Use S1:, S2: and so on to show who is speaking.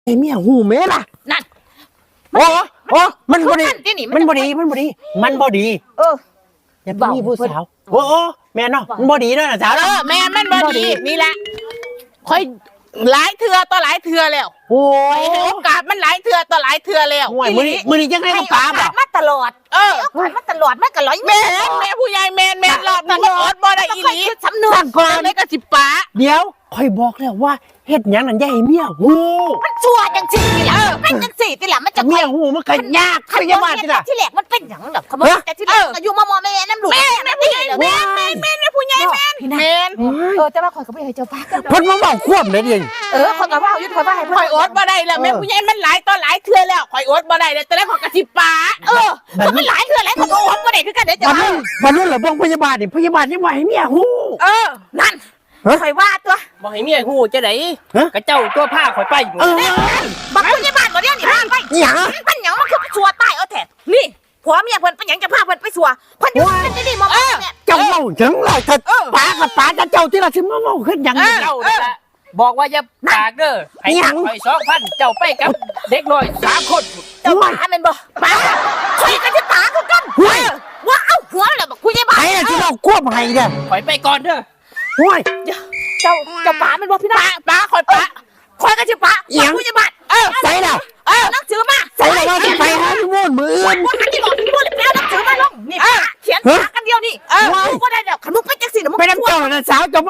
S1: ไอ้เมียหูแม่ล่ะ
S2: นั่น
S1: โอ้โอ้มันบ่ดี
S2: ที่นี่
S1: มันบ่ดีมันบ่ดีมันบ่ดี อย่าไปมีผู้สาวโอ้แม่เนาะมันบ่ดีเด้อนะสาว
S2: แม่มันบ่ดีนี่แหละคอยหลายเทื่อต่อหลายเทื่อแล้ว
S1: โอ้
S2: ให้โอกาสมันหลายเทื่อต่อหลายเทื่อแล้ว
S1: ห่วยมื้อนี้จังได๋ก็ปาบ่
S3: มาตลอดมาตลอดมันก็ร้อย
S2: แม่ผู้ใหญ่แม่รอบนี้มันอดบ่ได้อีหลี
S3: สำนวน
S1: ก่อน
S2: เลยก็สิป้า
S1: เดี๋ยวค่อยบอกแล้วว่าเฮ็ดหยังนั่นอย่าให้เมียหู
S3: มันชั่วจังสินี่ล่ะเป็นจังสินี่ล่ะมันจะ
S1: เมียหูมันก็ยากพยาบาลนี่ล่ะ
S3: ที่แรกมันเป็นหยังแบบขโมยแต่ที่แรกก็อยู่มอแม่น้ำหลุด
S2: แม่ผู้ใหญ่แม่ผู้ใหญ่แม่
S3: แต่ว่าข่อยก็ไม่ให้เจ้าป้า
S1: เพิ่นมาเว้าควบเลยดิ
S3: ข่อยก็ว่าอยู่ข่อยว่าให้
S2: ข่อยอดบ่ได้แล้วแม่ผู้ใหญ่มันหลายต่อหลายเทื่อแล้วข่อยอดบ่ได้แล้วแต่แล้วข่อยก็สิป้า
S3: ก็มันหลายเทื่อหลายคนก็อดบ่ได้คือกันเด้อจ้ะ
S1: วันนั้นเหรอบ้องพยาบาลนี่พยาบาลยังบ่ให้เมียหู
S3: นั่นข่อยว่าตัว
S4: บ่ให้เมียฮู้จะได้กระเจ้าตัวผ้าข่อยไป
S3: บักพยาบาลบ่เดี๋ยวนี้พาไป
S1: หยัง
S3: มันหยังมันคือชัวตายเอาแท้นี่ผัวเมียเพิ่นเป็นหยังจะพาเพิ่นไปชัวเพิ่นอยู่เป็นที่นี่มอแม่เนี่ย
S1: เจ้าเว้าจังไรถ้าป้ากับป้าจะเจ้าที่ละสิมาเว้าขึ้นหยัง
S4: เจ้านั่นแหละบอกว่าอย่าปากเด้อให้ข่อย2,000เจ้าไปกับเด็กน้อย3 คน
S3: เจ้าป้าแม่นบ่ป้าข่อยก็จะตาคือกันว่าเอ้าหัวแล้วบักพยาบาล
S1: ไอ้ที่เราควบให้เด้อ
S4: ข่อยไปก่อนเด้อ
S1: ห้วย
S3: เจ้าป้าแม่นบ่พี่น้า
S2: ป้าข่อยป้า
S3: ข่อยก็จะป้าพยาบาล
S1: ใส่แล้ว
S3: หนังสือมา
S1: ใส่แล้วว่าสิไปหาที่ม่วนมืออื่น
S3: ว่าหันที่บอกพูดแล้วหนังสือมาลงนี่เขียนปากกันเดียวนี่กูก็ได้เดี๋ยวขมุกไปจังสิเดี๋ยวมึง
S1: ไปน้ำเจ้าน่ะสาวเจ้า